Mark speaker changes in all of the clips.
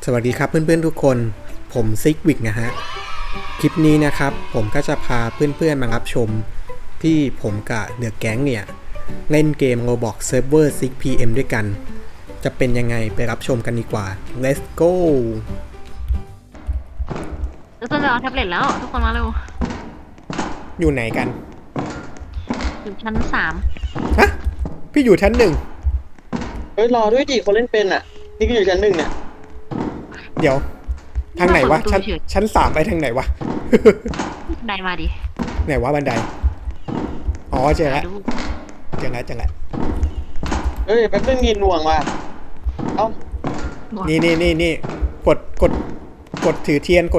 Speaker 1: สวัสดีครับเพื่อนๆทุกคนผมซิกวิกนะฮะคลิปนี้นะครับผมก็จะพาเพื่อนๆมารับชมที่ผมกับเดอะแก๊งเนี่ยเล่นเกม Roblox Server 6pm ด้วยกันจะเป็นยังไงไปรับชมกันดีกว่า Let's go
Speaker 2: จะเอาแท็บเล็ตแล้วทุกคนมาเร็ว
Speaker 1: อยู่ไหนกัน
Speaker 2: อยู่ชั้น3
Speaker 1: ฮะพี่อยู่ชั้น 1
Speaker 3: เฮ้ยรอด้วยดิคนเล่นเป็นอ่ะนี่ก็อยู่ชั้น 1เนี่ย
Speaker 1: เดี๋ยวทางไหนวะชั้น 3ไปทางไหนวะ
Speaker 2: ได้มาดิ
Speaker 1: ไหนวะบันไดอ๋อเจอแล้วเจอแล้ว
Speaker 3: เฮ้ยแป๊บนึงมีหน่วงว่ะเอ้า
Speaker 1: นี่กดถือเทียน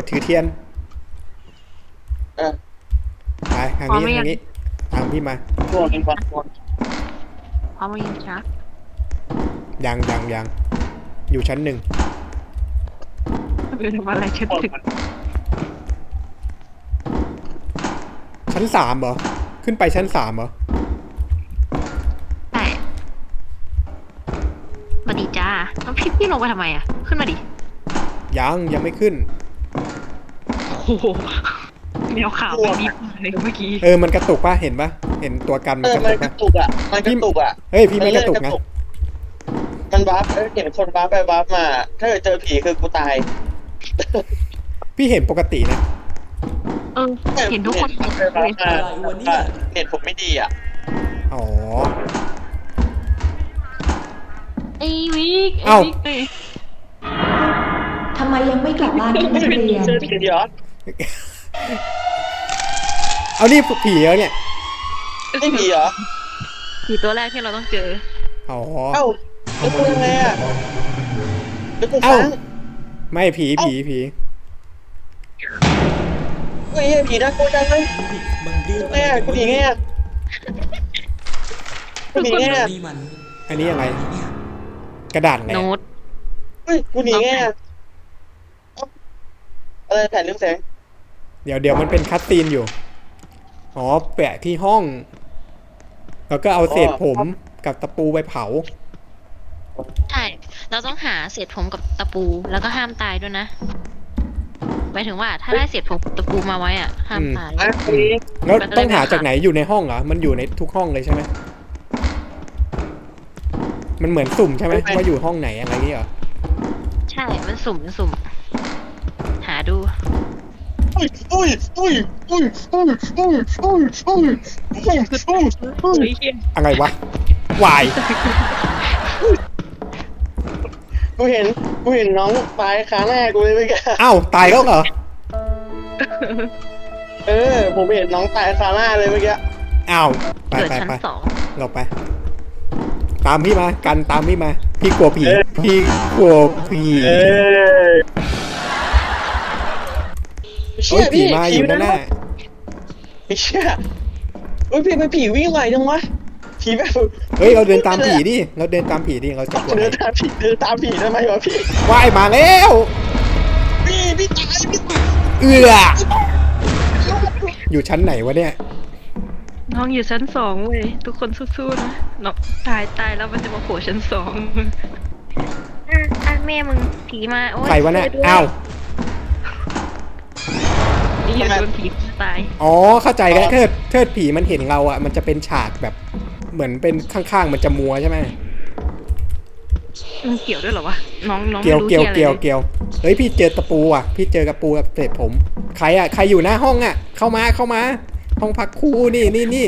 Speaker 1: ไปทางนี้ตามพี่มา
Speaker 3: หน่วงเป็นวัน
Speaker 2: พร้อมมายิงช้า
Speaker 1: ยังอยู่ชั้น 1
Speaker 2: เป็นอะไรชั้น 1
Speaker 1: ชั้น 3เหรอขึ้นไปชั้น 3เหรอ
Speaker 2: ใช่มาดีจ้าแล้วพี่ลงไปทำไมอ่ะขึ้นมาดิ
Speaker 1: ยังไม่ขึ้น
Speaker 2: โอ้โหแมวขาวไม่ดีเลยเมื่อกี้
Speaker 1: มันกระตุกป่ะเห็นป่ะเห็นตัวกันมันกระตุกป่ะ
Speaker 3: มันกระตุกอ่ะ
Speaker 1: เฮ้ยพี่ไม่กระตุกนะ
Speaker 3: มันวาร์ปเห็นคนวาร์ปไปวาร์ปมาถ้าเจอผีคือกูตาย
Speaker 1: พี่เห็นปกตินะ
Speaker 2: เห็นทุกคน
Speaker 3: เน็ตผมไม่ดีอ่ะ
Speaker 1: อ๋อ
Speaker 2: ไอ้วิก
Speaker 4: ทำไมยังไม่กลับบ้านที่โรงเรียน
Speaker 1: เอานี่ผีเหรอเนี่ย
Speaker 3: นี่ผีเหรอ
Speaker 2: ผีตัวแรกที่เราต้องเจอ
Speaker 1: อ๋อ
Speaker 3: แล้วกูยังไงอ่ะแล้วกูฟัง
Speaker 1: ไม่ผี
Speaker 3: เฮ้ยผีน่ากลัวจังเลยแม่กูหนีไงอ่ะกูหนีไงอ่ะ
Speaker 1: อันนี้อะไรกระดาษไหน
Speaker 2: โน้ต
Speaker 3: เฮ้ยกูหนีไงอ่ะอะไรแผ่นเรื่องแสง
Speaker 1: เดี๋ยวมันเป็นคัตซีนอยู่อ๋อแปะที่ห้องแล้วก็เอาเศษผมกับตะปูไปเผา
Speaker 2: ใช่เราต้องหาเศษผมกับตะปูแล้วก็ห้ามตายด้วยนะหมายถึงว่าถ้าได้เศษผมตะปูมาไว้อ่ะห้ามตาย
Speaker 1: แล้วต้องหาจากไหนอยู่ในห้องเหรอมันอยู่ในทุกห้องเลยใช่ไหมมันเหมือนสุ่มใช่ไหมว่าอยู่ห้องไหนอะไรนี่เหรอ
Speaker 2: ใช่มันสุ่มหาดู
Speaker 1: อะไรวะวาย
Speaker 3: กูเห็นน้องตายขาหน้ากูเลยเมื่อกี้
Speaker 1: อ้าวตายแล้วเหรอ
Speaker 3: ผมเห็นน้องตายขาหน้าเลยเมื่อกี้
Speaker 1: อ้าวไปเราไปตามพี่มากันตามพี่มาพี่กลัวผีโอ้ยผีมาอยู่หน้า
Speaker 3: ไอ้เชี่ยโอ้ยผีวิ่งไหวจังวะผีแบบ
Speaker 1: เฮ้ยเราเดินตามผีดิเราจะกลัว
Speaker 3: เดินตามผีทำไมวะพี่
Speaker 1: ว่ายมาแล้ว
Speaker 3: พี่ตาย
Speaker 1: อยู่ชั้นไหนวะเนี่ย
Speaker 2: น้องอยู่ชั้น2เว้ยทุกคนสู้ๆนะน้องตายแล้วมันจะมาโผล่ชั้น2แม่มึงผีมาโอ้ย
Speaker 1: ใครวะเนี่ยอ้าว
Speaker 2: นี่โดนผีตาย
Speaker 1: อ๋อเข้าใจแล้วเทิดผีมันเห็นเราอ่ะมันจะเป็นฉากแบบเหมือนเป็นข้างๆมันจะมัวใช่ไหม
Speaker 2: มันเกี่ยวด้วยเหรอวะน้อง
Speaker 1: เกี่ยวเฮ้ยพี่เจอตะปูอ่ะพี่เจอกระปูกับเศษผมใครอยู่หน้าห้องอ่ะเข้ามาห้องพักครูนี่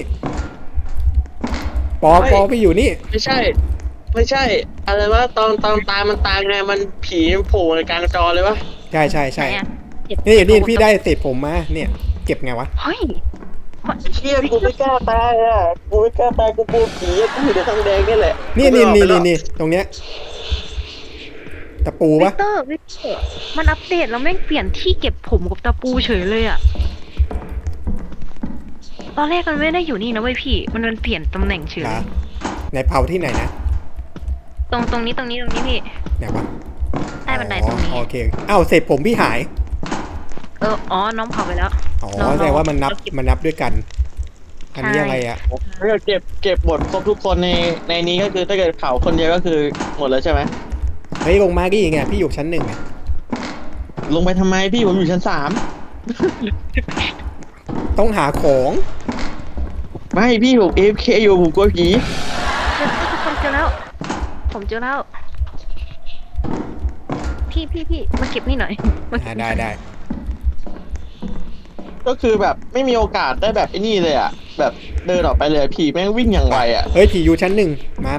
Speaker 1: ปอพี่อยู่นี่
Speaker 3: ไม่ใช่อะไรวะตอนตายมันตายไงมันผีโผล่ในกลางจอเลยวะ
Speaker 1: ใช่นี่พี่ได้เศษผมมาเนี่ยเก็บไงวะ
Speaker 2: เฮ้ย
Speaker 3: เชี่ยกูไม่กล้าตายอ่ะกูกลัวผีกูอยู่ในทางแดงนี่แหละ
Speaker 1: นี่ตรงเนี้ยตะปูปะ
Speaker 2: วิกเตอร์มันอัปเดตแล้วแม่งเปลี่ยนที่เก็บผมกับตะปูเฉยเลยอ่ะตอนแรกมันไม่ได้อยู่นี่นะเว้ยพี่มันเปลี่ยนตำแหน่งเฉย
Speaker 1: ในเผาที่ไหนนะ
Speaker 2: ตรงนี้พี่
Speaker 1: ไหนวะ
Speaker 2: ใต้บันไดตรงนี้
Speaker 1: โอเคอ้าวเศษผมพี่หาย
Speaker 2: น้องเผาไปแล้ว
Speaker 1: อ๋อแสดงว่ามันนับด้วยกันอันนี้อะไรอ่ะ
Speaker 3: ถ้าเกิดเก็บหมดครบทุกคนในนี้ก็คือถ้าเกิดเผาคนเดียวก็คือหมดแล้วใช่ไหม
Speaker 1: เฮ้ยลงมาดิไงพี่อยู่ชั้น 1ไง
Speaker 3: ลงไปทำไมพี่ผมอยู่ชั้นสาม
Speaker 1: ต้องหาของ
Speaker 3: ไม่พี่ผม AFK อยู่ผมกลัวผี
Speaker 2: ทุกคนเจอแล้ว ผมเจอแล้ว พี่มาเก็บนี่หน่อยมาเก็บ
Speaker 1: ได้ได้
Speaker 3: ก็คือแบบไม่มีโอกาสได้แบบไอ้นี่เลยอ่ะแบบเดินออกไปเลยผีแม่งวิ่งอย่างไวอ่ะ
Speaker 1: เฮ้ยผีอยู่ชั้นหนึ่งมา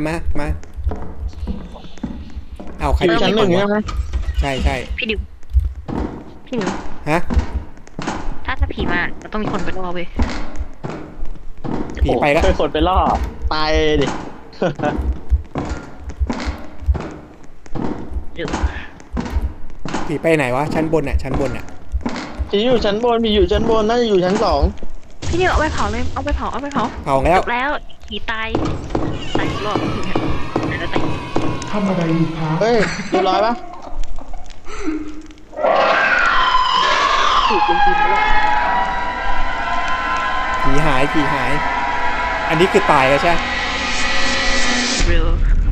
Speaker 1: เอาใคร
Speaker 3: อยู่ชั้นหนึ่ง
Speaker 1: ไป
Speaker 3: ใช่ไหม
Speaker 1: ใช่
Speaker 2: พี่ดิวพี่ดิว
Speaker 1: ฮะ
Speaker 2: ถ้าผีมาเราต้องมีคนไปล่อเว้ย
Speaker 1: ผีไปแล้ว
Speaker 3: โอ้เป็นคนไปล่อตายเลยดิ
Speaker 2: เดี๋ยว
Speaker 1: ผีไปไหนวะชั้นบนชั้นบน
Speaker 3: ผีอยู่ชั้นบนผีอยู่ชั้นบนน่าจะอยู่ชั้นสอง
Speaker 2: พี่ดิวเอาไปเผาเลยเอาไปเผา
Speaker 1: เผาแล้ว
Speaker 2: จบแล้วผีตายอีกรอบแล้วตาย
Speaker 4: ทำอะไรอยู่คะ
Speaker 3: เฮ้ยเรียบร้อยปะ
Speaker 2: ถูกจริงๆแล้ว
Speaker 1: ผีหาย อันนี้คือตายแล้วใช่ไหม
Speaker 2: เร็ว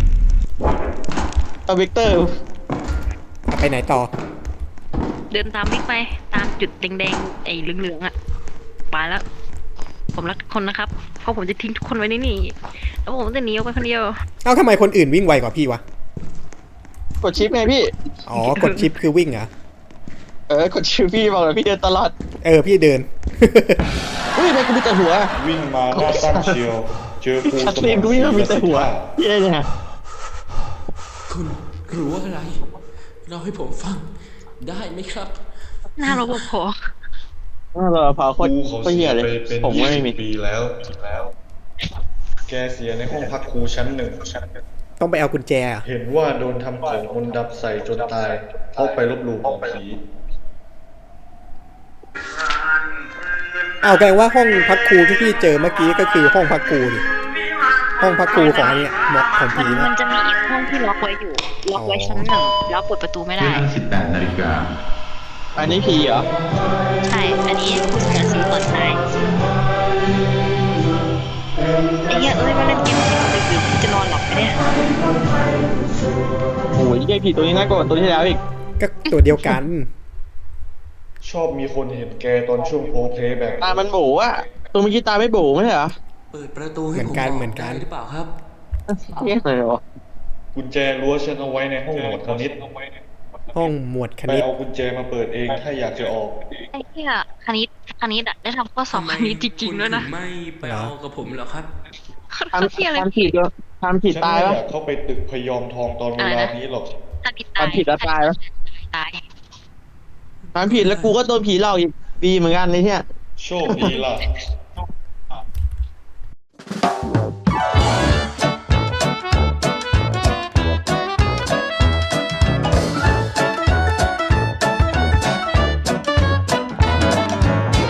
Speaker 3: เอาวิกเตอร์
Speaker 1: เอาไปไหนต่อ
Speaker 2: เดินตามบิ๊กไปตามจุดแดงๆไอ้เหลืองๆอ่ะไปแล้ว ผมรักทุกคนนะครับ เพราะผมจะทิ้งทุกคนไว้ในนี่แล้วผมจะหนีออกไปคนเดียว
Speaker 1: เอ้าทำไมคนอื่นวิ่งไวกว่าพี่วะ
Speaker 3: กดชิปไงพี่
Speaker 1: อ๋อกดชิปคือวิ่งเหรอ
Speaker 3: กดชิปพี่บอกเลยพี่เดินตลอด
Speaker 1: พี่เดิน
Speaker 3: เฮ้ยทำไมกูมีแต่หัว
Speaker 5: วิ่งมาหน้าตั้งเชียว เจอกู
Speaker 3: ชัดเจนกูวิ่งมามีแต่หัวพี่ได้ยังไง
Speaker 6: คุณรู้อะไร เราให้ผมฟังได้ไหมครับ
Speaker 2: หน้ารปภ
Speaker 3: เราเผาโคตร
Speaker 5: กูเขา
Speaker 3: โคตร
Speaker 5: เสี
Speaker 3: เหี้
Speaker 5: ย
Speaker 3: ยเลย
Speaker 5: ไปเป็น
Speaker 3: ผมก็ไม่มี
Speaker 5: 20 ปีแล้ว แกเสียในห้องพักครูชั้นหนึ่ง
Speaker 1: ต้องไปเอากุญแจเหรอ
Speaker 5: เห็นว่าโดนทำของมนต์ดำใส่จนตายเพราะไปลบหลู่ของผี
Speaker 1: เอาแปลว่าห้องพักครูที่พี่เจอเมื่อกี้ก็คือห้องพักครูดิห้องพักครูของไอ้เนี่ยหมอกของผี
Speaker 2: มั
Speaker 1: นะ
Speaker 2: นจะมีอีกห้องที่ล็อกไว้อยู่ ล็อกไว้ชั้นหนึ่งแล้วเปิดประตูไม่ได้
Speaker 7: 18 นาฬิกา
Speaker 3: อันนี้ผีเหรอ
Speaker 2: ใช่ อันนี้คุณจะซื้อตอนตายไอ้เหี้ยมาเล่นเกมดึกๆจะนอนหลับไหมเนี่ย
Speaker 3: โอ้ยไอ้ผีตัวนี้น่ากลัวกว่าตัวที่แล้วอีก
Speaker 1: ก็ตัวเดียวกัน
Speaker 5: ชอบมีคนเห็นแกตอนช่วงโพลเพลย์แบบ
Speaker 3: ตามันโบอ่ะตัวเมื่อกี้ตาไม่โบไม่ใช่เหรอ
Speaker 6: เปิดประตูให้ผม
Speaker 1: เหมือนกัน
Speaker 6: ได้หรือเปล่าครับ
Speaker 3: เหี้ยเลยเหรอ
Speaker 5: กุญแจรั้วฉันเอาไว้ในห้องหมวดคณิต
Speaker 1: ห้องหมวดค
Speaker 5: ไป
Speaker 1: ณิต
Speaker 5: เอากุญแจมาเปิดเองถ้าอยากจะออก
Speaker 2: ไอ้เหี้ยคณิตอะได้ทำข้อสอบคณิตจริงๆด้วยนะ
Speaker 6: คุณถึไม่ไปเอากับผมเหรอครับ
Speaker 3: ทำ
Speaker 2: เหี้ยอะไร
Speaker 3: ทำผิดเหรอทำผิด
Speaker 5: ฉัน
Speaker 3: ตาย
Speaker 5: ไม่
Speaker 3: ปะ
Speaker 5: อยากเข้าไปตึกพยอมทองตอนเวลานี้หรอก
Speaker 2: คณิตตาย
Speaker 3: ทำผิดแล้วตายปะ
Speaker 2: ตาย
Speaker 3: ทำผิดแล้วกูก็โดนผีหลอกอีกดีเหมือนกันเลยเนี่ย
Speaker 5: โชคดีล่ะ